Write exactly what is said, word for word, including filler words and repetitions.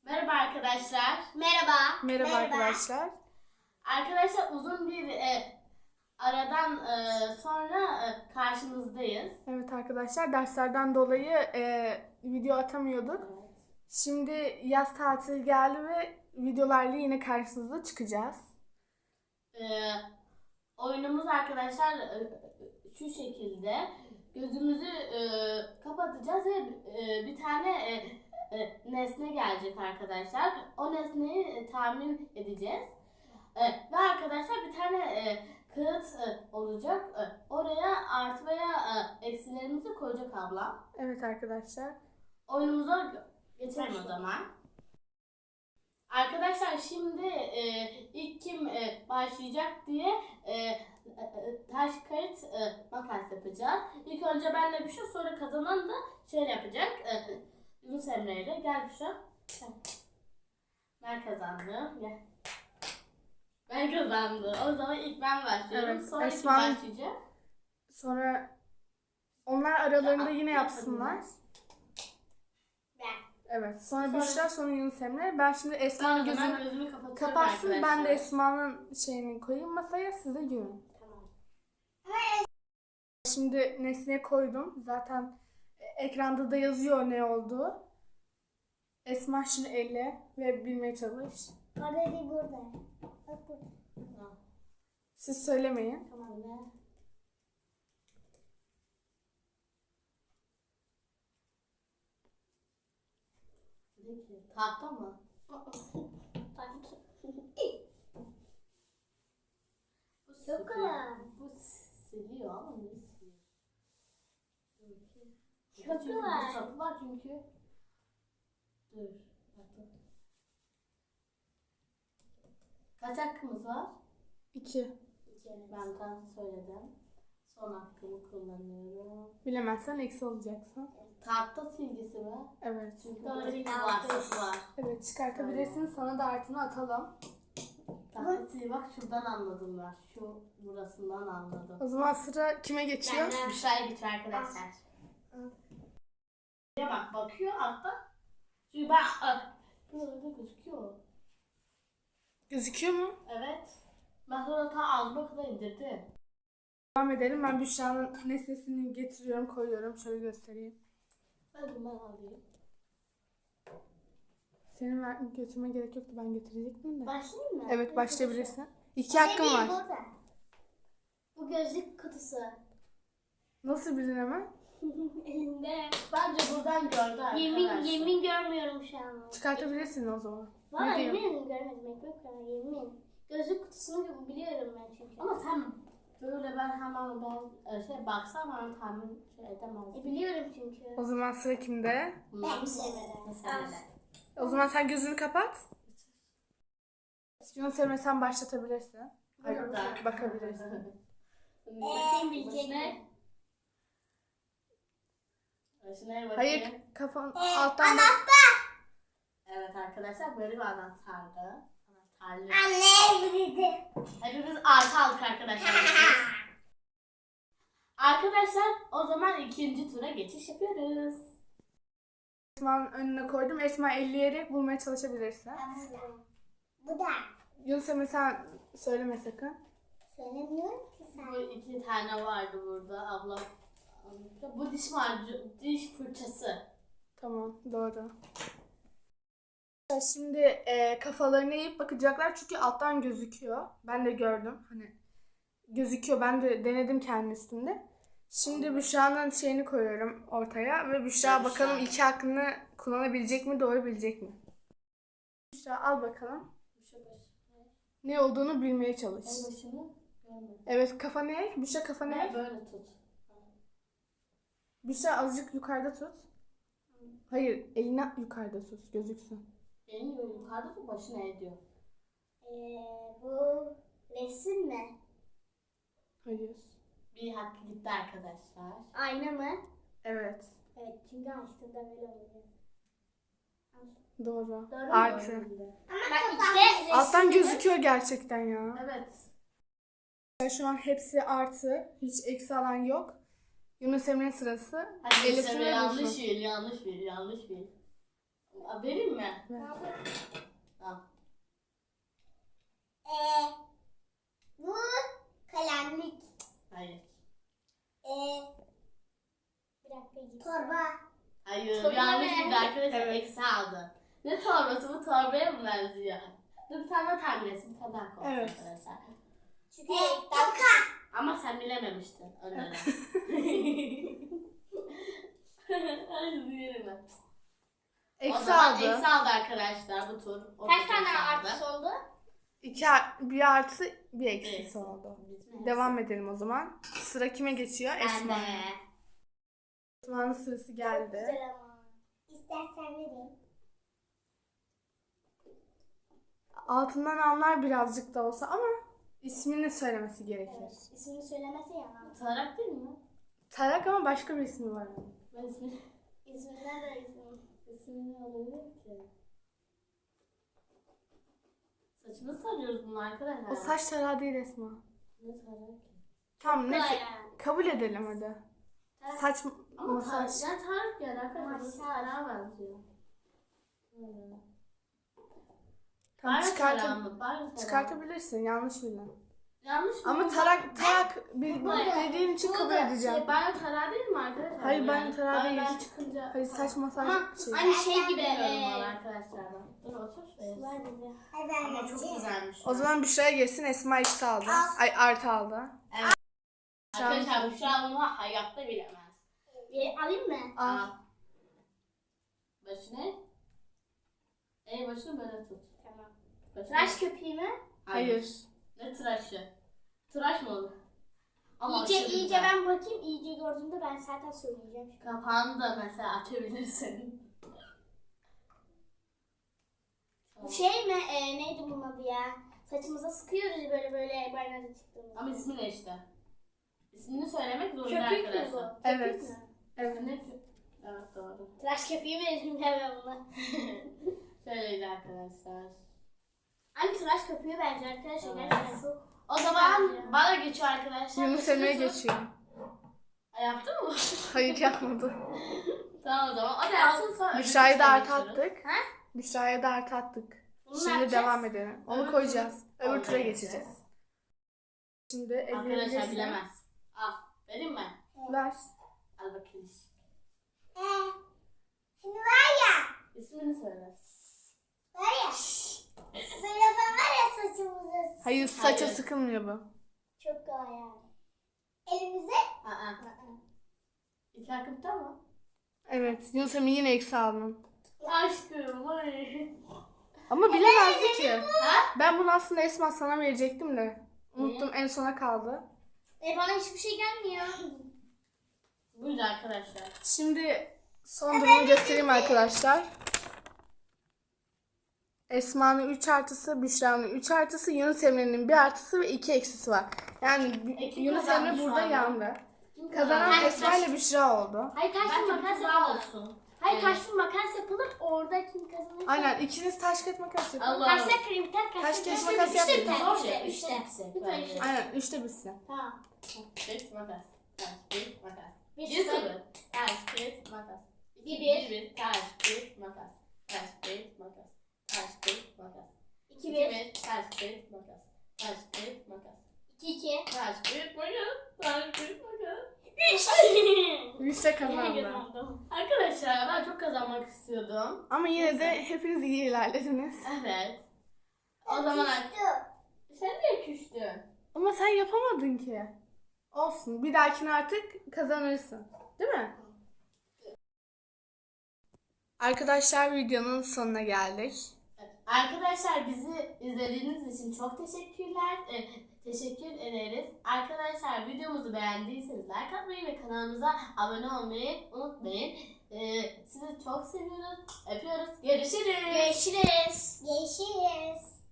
Merhaba arkadaşlar. Merhaba. Merhaba, arkadaşlar. Arkadaşlar uzun bir e, aradan e, sonra e, karşınızdayız. Evet arkadaşlar, derslerden dolayı e, video atamıyorduk. Evet. Şimdi yaz tatili geldi ve videolarla yine karşınıza çıkacağız. E, oyunumuz arkadaşlar e, şu şekilde. Gözümüzü e, kapatacağız ve e, bir tane e, e, nesne gelecek arkadaşlar. O nesneyi e, tahmin edeceğiz. E, ve arkadaşlar bir tane e, kağıt e, olacak. E, oraya artı veya e, eksilerimizi koyacak ablam. Evet arkadaşlar. Oyunumuza geçelim o zaman. Arkadaşlar şimdi e, ilk kim e, başlayacak diye e, e, taş kağıt e, makas yapacağız. İlk önce benle Büşra, sonra kazanan da şey yapacak. E, Yunus Emre ile. Gel Büşra. Ben kazandım. Gel. Ben kazandım. O zaman ilk ben başlıyorum. Evet, Sonra kim Esma'nın- başlayacak? Sonra onlar aralarında Ya, yine yapsınlar. Ben. Evet. Sonra Sonra- Büşra, sonra Yunus Emre. Ben şimdi Ben Esma'nın o zaman gözünü gözümü kapatıyorum kapatsın. Ben de arkadaşlar. Esma'nın şeyini koyayım masaya, siz de görün. Tamam. Şimdi nesneye koydum. Zaten e, ekranda da yazıyor ne olduğu. Esma şimdi elle ve bilmeye çalış. Orada değil, burada. Bak burada. Tamam. Siz söylemeyin. Tamam ya. Peki, tahta mı? Bu Çok siliyor. kolay. Bu siliyor ama ne siliyor? Dur bakayım. Çok Çünkü kolay. bu sapı var çünkü. Dur. Bakın. Kaç hakkımız var? İki. Ben tam söyledim. Son hakkımı kullanıyorum. Bilemezsen eksi olacaksın. Tahta silgisi mi? Evet. Çünkü Doğru, burada bir var, altı. sapı var. Evet, çıkartabilirsin. Sana da artını atalım. Tahta silgi bak, şuradan anladım ben. Şu burasından anladım. O zaman sıra kime geçiyor? Benden. Büşra'ya geçiyor arkadaşlar. Ya bak, bakıyor altta. Çünkü ben ah, burada gözüküyor. Gözüküyor mu? Evet. Ben sonra ta ağzıma kadar indirdim. Devam edelim. Ben Büşra'nın nesnesini getiriyorum, koyuyorum. Şöyle göstereyim. Hadi ben alayım. Senin ver, götürme gerek yoktu. Ben getirecektim de. Başlayayım mı? Evet, başlayabilirsin. İki Orada hakkın değil, var. burada. Bu gözlük kutusu. Nasıl bildin hemen? Elimde. Bence buradan gördü arkadaşlar. Yemin yemin görmüyorum şu an. Çıkartabilirsin o zaman. Valla Ne diyeyim? yemin görmedim. Ekmek kadar yemin. Gözlük kutusunu biliyorum ben çünkü. Ama sen böyle ben hemen ben e, şey baksam ben tahmin şey edemezdim. E, biliyorum çünkü. O zaman sıra kimde? Ben sevmedim. Mesela. O zaman sen gözünü kapat. Yunus Emre, sen başlatabilirsin. Hayır, Burada. bakabilirsin. Bakayım bilecek mi? Şuna bakayım. Hayır, kafan alttan bak. Evet arkadaşlar, böyle bir anahtardı. Anahtarlı. Anne bildi. Hepimiz artı aldık arkadaşlar. Arkadaşlar o zaman ikinci tura geçiş yapıyoruz. Esma'nın önüne koydum. Esma elleyerek bulmaya çalışabilirsin. Bu da. Yunus Emre, sen söyleme sakın. Söylemiyorum ki sen. Bu iki tane vardı burada ablam. Bu diş macunu, diş fırçası. Tamam, doğru. Şimdi e, kafalarını eğip bakacaklar çünkü alttan gözüküyor. Ben de gördüm. Hani gözüküyor. Ben de denedim kendi üstümde. Şimdi Büşra'nın şeyini koyuyorum ortaya ve Büşra Büşra. bakalım iki hakkını kullanabilecek mi, doğru bilecek mi? Büşra al bakalım. Şu baş. Ne olduğunu bilmeye çalış. En başını görmedim. Evet, kafanı eğ. Büşra kafanı Ne eğ. böyle tut. Büşra azıcık yukarıda tut. Hayır, elini yukarıda tut, gözüksün. Elini böyle yukarıda tut, başına ediyor. Ee, bu resim mi? Hayır. Bir hakkı gitti arkadaşlar. Ayna mı? Evet, Evet, çünkü açtığımda böyle oluyor. doğru. Doğru mu? Artı. Bak işte resim. Alttan gözüküyor gerçekten ya. Evet. Şu an hepsi artı. Hiç eksi alan yok. Yunus Emre'nin sırası. Hadi Ellisini işte bulsun. yanlış bil, yanlış bil, yanlış bil. Aa, vereyim mi? Ver. Al. Ee, bu kalemlik. Hayır. Ee, bir dakika git. Torba. Hayır. Torba Yanlış ne? bir arkadaşlar Evet. eksi aldı. Ne torbası bu, torbaya mı benziyor? Dur bir tane daha tahmin etsin. Bir tane daha koy Evet. arkadaşlar. Çünkü toka. Ama sen bilememiştin önden. Hayır diyelim ben. O Eksi zaman aldı. eksi aldı arkadaşlar bu tur. O Kaç tur tane eksi aldı. artış oldu? İki, ar- bir artı bir eksisi Eksi. oldu. Bitmez. Devam edelim o zaman. Sıra kime geçiyor? Ben Esma. de. Esma'nın sırası geldi. Güzel ama. İstersen vereyim. Altından anlar birazcık da olsa ama ismini söylemesi gerekir. Evet. İsmini söylemese yalan. Tarak değil mi? Tarak ama başka bir ismi var. onun. Ben ismi, İsminden de ismi. ismini alabilirim ki. Saçını sarıyoruz bunu arkadaşlar. O saç tarağı değil Esma. Ne tarak ki? Tamam neyse. Aynen. Kabul edelim hadi. Saç Ama masaj. tarak, ya tarak yani arkadaşlar. Bu Masaj. tarağa benziyor. Böyle. Tamam, Banyo çıkartı- tarağı mı? Banyo tarağı. Çıkartabilirsin, yanlış bildin. Yanlış mı? Ama tarak tarak bil- Burada- dediğin için kabul Burada edeceğim. Şey, banyo tarağı değil mi arkadaşlar? Hayır, banyo Yani tarağı değil. banyodan çıkınca. Hayır, saç masaj Ama şey. aynı şey gibi. Bilmiyorum Ee, valla arkadaşlar ben. Dur otur şuraya. var gibi. Ama çok güzelmiş. O zaman Büşra'ya geçsin, Esma eksi aldı. Ay artı aldı. Evet. Arkadaşlar bu şu an bunu hayatta bilemez. Bir alayım mı? Al. Al. Başını. El başını böyle tut. Tamam. Başını. Tıraş köpüğü mü? Hayır. Ne tıraşı? Tıraş mı olur? İyice aşırı iyice güzel. ben bakayım. İyice gördüğümde ben zaten söyleyeceğim. Kapağını da mesela açabilirsin. Bu şey mi? Ee, neydi bunun adı ya? Saçımıza sıkıyoruz ya böyle böyle banyoda çıktığımızda. Ama ismi ne işte? İsmini söylemek zorunda Köpük mü bu? arkadaşlar. Köpük Evet. mü? Evet. Ne? Evet doğru. Tıraş köpüğü mi dedim ben buna? Şöyleydi arkadaşlar. Hani tıraş köpüğü bence arkadaşlar. Evet. Gerçekten çok. O zaman Benziyor. bana geçiyor arkadaşlar. Yunus Emre'ye Başını tut. geçiyor. Ha, yaptın mı? Hayır, yapmadı. Tamam o zaman. O da yapsın sonra. Büşra'ya da öbür artı tura geçiyoruz. attık. Ha? Büşra'ya da artı attık. Bunu ne Şimdi yapacağız? devam edelim. Onu Öbür koyacağız. tura- Öbür tura Oraya geçeceğiz. Şimdi Arkadaşlar ellerimizle bilemez. Al. Vereyim mi? ver. Al bakayım. Ee, şimdi var ya. İsmini söyle. Var ya. Böyle yapan var ya saçımızı. Hayır, saça Hayır. sıkılmıyor bu. Çok kolay yani. Elimize. Aa. İki hakkımda mı? Evet, Yunus Emre yine eksi aldın. Aşkım ay. Ama bilemezdi ki. Ha? Ben bunu aslında Esma sana verecektim de. Unuttum, en sona kaldı. E bana hiçbir şey gelmiyor. Buydu arkadaşlar. Şimdi son durumu göstereyim arkadaşlar. Esma'nın üç artısı, Büşra'nın üç artısı, Yunus Emre'nin bir artısı ve iki eksisi var. Yani B- E, kim Yunus kazandı Emre şu burada anda? yandı. Kim Kazanan kazandı? Esma ile Büşra oldu. Hayır taş Bence bir makas bir tur yapalım. olsun. Hayır Evet. taş bir makas yapalım. Orada kim kazanırsa. Aynen, ikiniz taş kağıt makas yapın. Allah. Kaçta kırayım? Kaç kaç Taş, kaç- kağıt, kaç- makas üçte yapın. biter, Zor üçte, şey, üçte. üçte bitecek Lütfen bence. üçte. Aynen, üçte bitsin. Tamam. Taş, makas. Taş, kağıt, makas. Bir Bir sıfır. sıfır. Taş, kağıt, makas. Bir Bir bir. bir. Taş, kağıt, makas. Taş, kağıt, makas. Taş, kağıt, makas. İki İki bir. bir. Taş, kağıt, makas. Taş, kağıt, makas. İki iki. Taş, kağıt, makas. Taş, kağıt, makas. Üç. Büşra kazandı. Arkadaşlar ben çok kazanmak istiyordum. Ama yine de hepiniz iyi ilerlediniz. Evet. O zaman sen niye küstün? Ama sen yapamadın ki. Olsun. Bir dahakine artık kazanırsın. Değil mi? Arkadaşlar, videonun sonuna geldik. Arkadaşlar bizi izlediğiniz için çok teşekkürler. E, teşekkür ederiz. Arkadaşlar videomuzu beğendiyseniz like atmayı ve kanalımıza abone olmayı unutmayın. E, sizi çok seviyoruz. Öpüyoruz. Görüşürüz. Görüşürüz. Görüşürüz.